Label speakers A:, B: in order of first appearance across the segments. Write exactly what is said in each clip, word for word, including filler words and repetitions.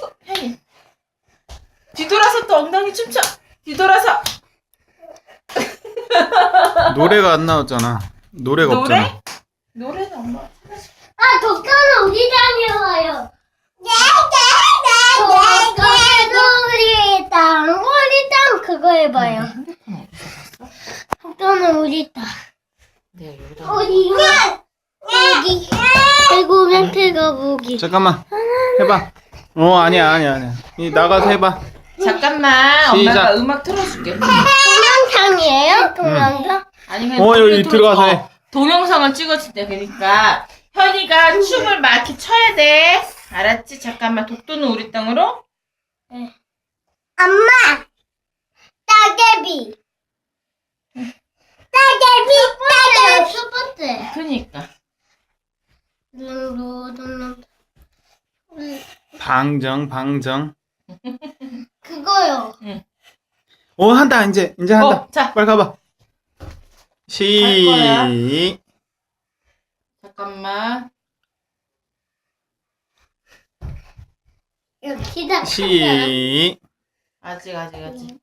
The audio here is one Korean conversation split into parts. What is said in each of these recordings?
A: 현이 뒤돌아서 또 엉덩이 춤춰. 뒤돌아서.
B: 노래가 안 나왔잖아. 노래가
A: 노래?
B: 없잖아.
A: 노래는 엄마 찾아줄게.
C: 아, 독서는 우리 다녀와요. 네, 네, 네, 우리 땅, 우리 땅 그거 해봐요.
A: 핸드폰 어디서 봤어?
C: 독서는 우리 땅.
A: 내가 여기다.
C: 어디가? 여기. 그리고 멘트가 보기.
B: 잠깐만. 해봐. 어 아니야 아니야 아니야. 이 나가서 해봐.
A: 잠깐만.
B: 시작.
A: 엄마가 음악 틀어줄게.
C: 동영상이에요? 동영상?
A: 아니 그냥
B: 어,
A: 노래
B: 여기
A: 틀어줘.
B: 들어가서 해.
A: 어, 동영상을 찍었을 때 그러니까 현이가 춤을 막 이렇게 춰야 돼. 알았지? 잠깐만. 독도는 우리 땅으로.
C: 네. 엄마! 따개비! 따개비! 따개비! 첫 번째.
A: 그니까.
B: 방정 방정.
C: 그거요.
B: 어 한다 이제 이제 한다.
A: 어, 자.
B: 빨리 가봐.
A: 거야.
B: 시.
A: 잠깐만.
C: 시작.
B: 시.
A: 아직 아직 아직.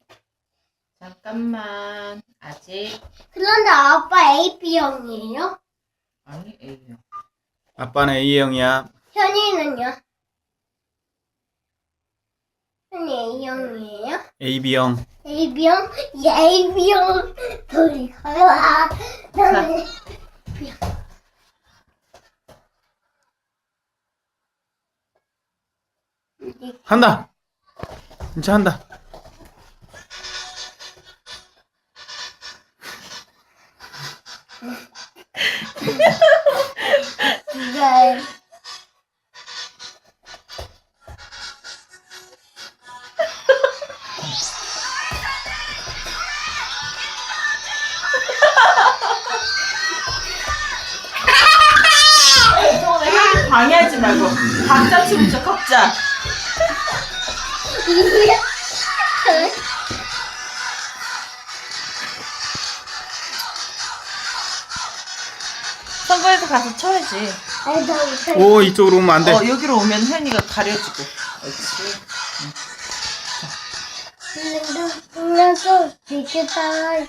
A: 잠깐만. 아직.
C: 그런데 아빠 에이비형이에요?
A: 아니 A요.
B: 아빠는 A형이야.
C: 현이는요? 현이 A형이에요?
B: 에이비형.
C: A형? A형 둘이 가라. 나는
B: 한다. 이제 한다.
C: 누가
A: 이성원아 현이 방해하지 말고 각자 춤춰 각자. 선거에서 가서 쳐야지.
B: 오 이쪽으로 오면 안 돼.
A: 어 여기로 오면 현이가 가려지고. 그렇지.
C: 나도 되게 따라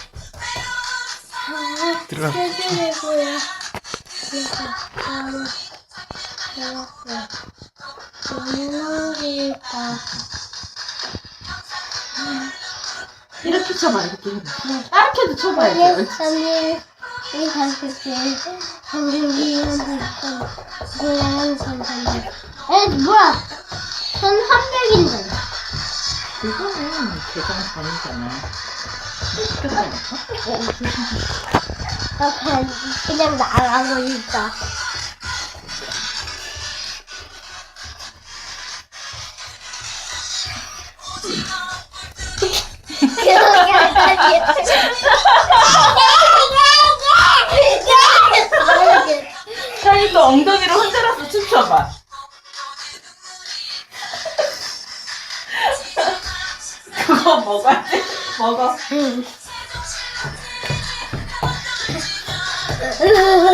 B: 들어가.
C: 해주려고요.
A: 이렇게 쳐봐 이렇게. 이렇게도 쳐봐야지.
C: 삼일 이 가족들 한국이는 고향 선생님. 에 뭐야? 전 삼백인데.
A: 그거는 대장 반이잖아. 어, 어, 조심, 조심.
C: 나 그냥 그냥 나가고 있다.
A: 현이 또 엉덩이를 흔들어서 춤춰봐. 그거 먹어야 돼? 먹어.
C: 으